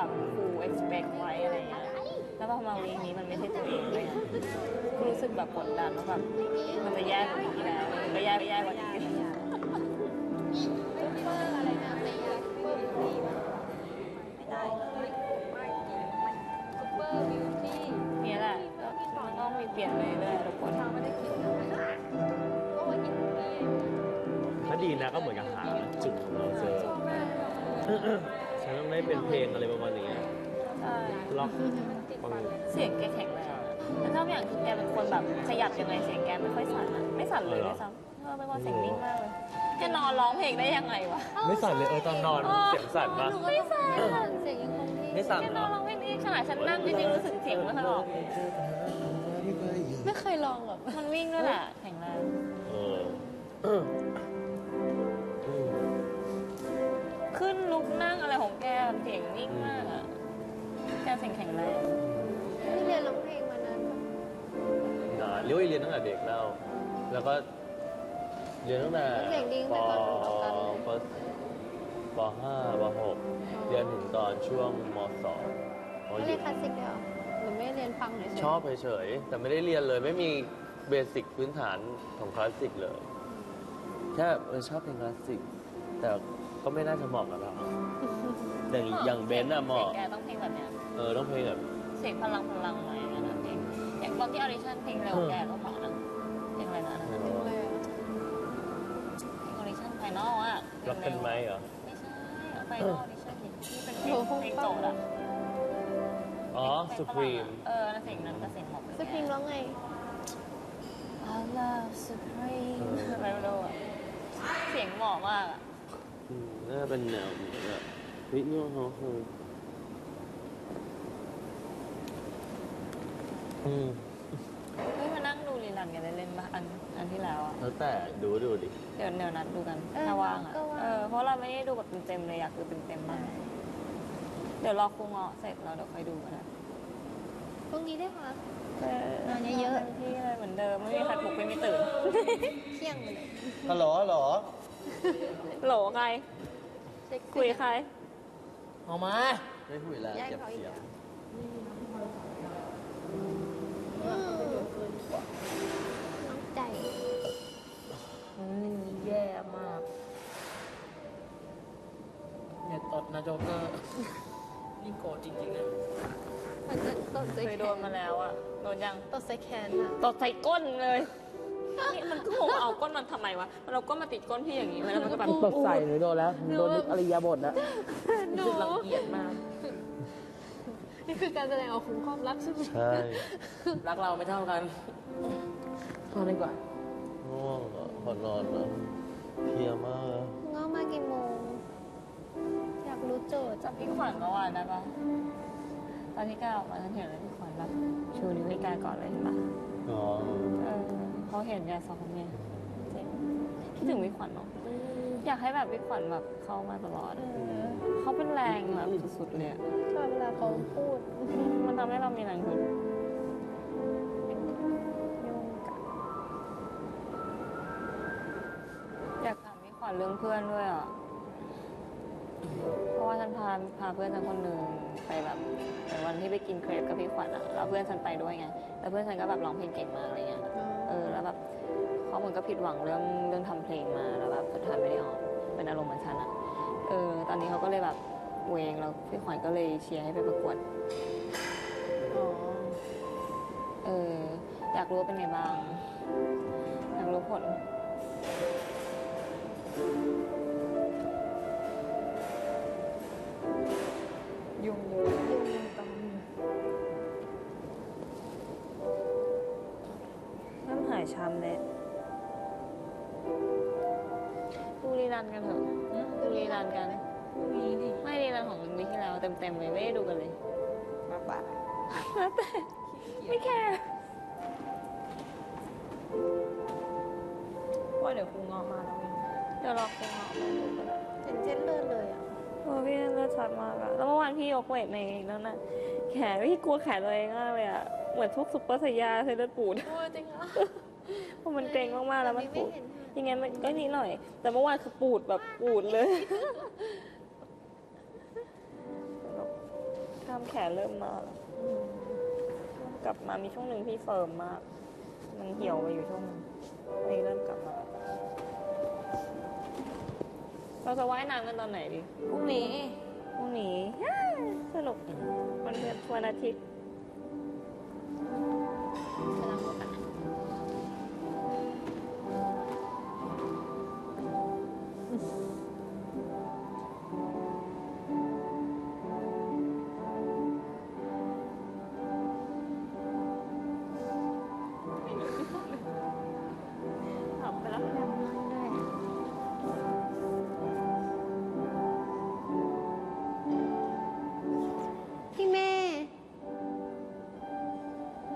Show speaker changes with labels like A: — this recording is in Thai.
A: แบบครู expect ไว้อะไรเงี้ยแล้วพอมาวีคนี้มันไม่ใช่ตัวเองเลยอะรู้สึกแบบกดดันว่าแบบมันจะแย่กว่าวีคที่แล้วมันก็แย่กว่านี้
B: ซุปเปอร์อะไรนะไม่อยากซุปเปอร์บิวตี้ไม่ได้เลยไม่จริงมันซุปเปอร์บิวตี้
A: เนี่ยแหละก็มันต้องมีเปลี่ยนไปเรื่อยๆทุกคน
B: ทางไม่ได้กินนะก็ว่ากินนี่
C: ถ้าดีนะก็เหมือนกับหาจุดของเราเจอฉันต้องได้เป็นเพลงอะไรประมาณนี้
A: ใช่
C: ล็อกฟัง
A: เสียงแกแข็งแรงแล้วชอบอย่างคือแกเป็นคนแบบขยับยังไงเสียงแกไม่ค่อยสั่นอะไม่สั่นเลยด้วยซ้ำเป็นคนเสียงนิ่งมากเลยแกนอนร้องเพลงได้ยังไงวะ
C: ไม่สั่นเลยตอนนอนเสียงสั่นปะ
A: ไม่สั่น
B: เสียงยังคงที่
C: ไม่สั่น
A: แก
C: เห
A: น
C: ร
A: อ
C: อน
A: ร้องเพลงนี้ขนาดฉันนั่งก็ยังรู้สึกเสียงไม่ค่อยออก
B: ไม่เคยลองหรอก
A: มันวิ่งด้วยแหละแข็งแรง
C: เออ
A: ขึ้นลุกนั่งอะไรของแกเสียงนิ่งมากอะแกเสียงแข็งแรง
B: ที่เรียนร้องเพลงมานาน
C: เรียนตั้งแต่เด็กแล้วก็เรียนตั้งแต่
B: เสียงดี
C: ป
B: ตั้งแต่ตอนออกกัน
C: ป .5 ป .6 เรียนถึงตอนช่วงม .2
B: ไม่เรียนคลาสสิกเลยเหรอหรือไม่เรียนฟังเฉยๆ
C: ชอบเฉยๆแต่ไม่ได้เรียนเลยไม่มีเบสิกพื้นฐานของคลาสสิกเลยแค่ชอบเพลงคลาสสิกแต่ก็ไม่น่าจะเหมาะกับเราอย่างเบนซ์อะเหมาะ
A: แกต้องเพลงแบบเนี้ย
C: ต้องเพลงแบบ
A: เสียงพลังหน่อยอย่างเงี้ยนะเพลงอย่างตอนที่ออดิชั่นเพลงเร็วแกก็เหมาะนะเพลงอะไรนะ
C: ไม่
B: เพล
C: รู้
B: งอะไรอะ
A: เพลงออดิชั่นไฟนอลอะ
C: รักกันไหมเหรอ
A: ไม่ใช่ไฟนอลออดิชั่นที่เป็นเพลงโจทย์อะ
C: อ๋อสุพรีม
A: แล้วเสียงนั้นก็เสียงเหมาะ
B: สปริงร้องไง
A: I love Supreme ไม่รู้อะเสียงเหมาะมากอะ
C: น่าจะเป็นแนวแบบวิญญาณเขาคือ
A: เฮ้ยมานั่งดูรีลันกันเล่นๆป่ะอันที่แล้วอะ
C: แล้วแต่ดูดิ
A: เดี๋ยวนัดดูกันถ้าว่างอะเพราะเราไม่ได้ดูแบบเต็มๆเลยอยากดูเต็มๆมากเดี๋ยวรอครูเงาะเสร็จแล้วเดี๋ยวค่อยดูกันนะ
B: พรุ่งนี้ได้ค่ะ
A: นอนเยอะๆที่เลยเหมือนเดิมไม่มีใครปลุกไม่มีตื่น
B: เที่ยงไปเลย
C: ฮัลโหล
A: โหลใคร
B: เซ็กซี่
A: คุยใคร
C: ออกมาไม่คุยแล้ว
B: แย่ง
C: เก็บ
B: เขาอีก
C: เสียง
B: แล้วน้องใจ
A: แย่มาก
D: อย่าตดนะโจ๊กเกอร์นี่โกรธจริงๆนะ
B: มันจะตดใส่
A: เคย
B: แข
A: โดน
B: น
A: มาแล้วอะโดนยัง
B: ตดใส่แขนอะ
A: ตดใส่ก้นเลยนี่มันก็งงเอาก้นมันทำไมวะมันเอาก้นมาติดก้นพี่อย่างนี้แล้วมันก็แบบ
D: ตดใส่หรือโดนแล้ว โดนนึกอริยาบทนะ
B: หนู
D: รู้สึกรังเกียจมาก
B: นี่คือการแสดงออกของความรักใช่ไหม
C: ใช่
D: รักเราไม่เท่ากันนอนดีกว่า
C: ง่วงอ่ะขอนอนอ่ะเพลียมาก
B: ง้อมากี่โมง อยากรู้โจทย์
A: จำพี่ขวัญเมื่อวานได้ปะตอนที่ก้าวออกมาฉันเห็นเลยพี่ขวัญแบบชูนิ้วให้กายก่อนเลยเห็นปะ
C: อ๋อ
A: เขาเห็นยาซ้อมไงเจ๋งคิดถึงพี่ขวัญเนาะอยากให้แบบพี่ขวัญแบบเข้ามาตลอดเขาเป็นแรงแบบสุดๆเลยอะ
B: ชอบเวลาเขาพูด
A: มันทำให้เรามีแรงฮึดอยากถามพี่ขวัญเรื่องเพื่อนด้วยอ่ะ เพราะว่าฉันพาเพื่อนฉันคนหนึ่งไปแบบเหมือนวันที่ไปกินเครปกับพี่ขวัญอ่ะแล้วเพื่อนฉันไปด้วยไงแล้วเพื่อนฉันก็แบบร้องเพลงเก่งมากอะไรเงี้ยแล้วแบบเขาเหมือนก็ผิดหวังเรื่องทำเพลงมาแล้วแบบสุดท้ายไม่ได้ออกเป็นอารมณ์เหมือนฉันอ่ะตอนนี้เขาก็เลยแบบเวงแล้วพี่ขวัญก็เลยเชียร์ให้ไปประกวด อยากรู้ว่าเป็นไงบ้าง อยากรู้ผลยุ่งเยอะเริ่มหายช้ำเลยดูรีรันกันเถอะดูรีรันกันไม่รีรันของวีคที่แล้วเต็มๆเลยไม่ได้ดูกันเลยมาป่ะแล้วแต่ไม่แคร์ว่าเดี๋ยวครูงอมาแล้วเดี๋ยวรอครูงอมาดูกันนะ
B: เห็นเส้นเลือดเลยอ่ะ
A: พี่เลือดชัดมากอะแล้วเมื่อวานพี่ยกเวทในนั้นน่ะแขนพี่กลัวแขนตัวเองมากเลยอะเหมือนพวกซุปเปอร์ไซยาเซเลอร์ปูด
B: โอ้จริงเหรอ
A: เพราะมันเกร็งมากๆแล้วมันปูด
B: ไม่เห็น
A: ยังไงมันก็นิดหน่อย แต่เมื่อวานคือปูดแบบปูดเลยล้ามแขนเริ่มมาแล้วกลับมามีช่วงหนึ่งที่เฟิร์มมาก มันเหี่ยวไปอยู่ช่วงหนึงนี่เริ่มกลับมา เราจะว่ายน้ำกันตอนไหนดี
B: พรุ่งนี้
A: พรุ่งนี้ สนุกวันเพื่อนวันอาทิตย์
B: กำลังมีปัญหา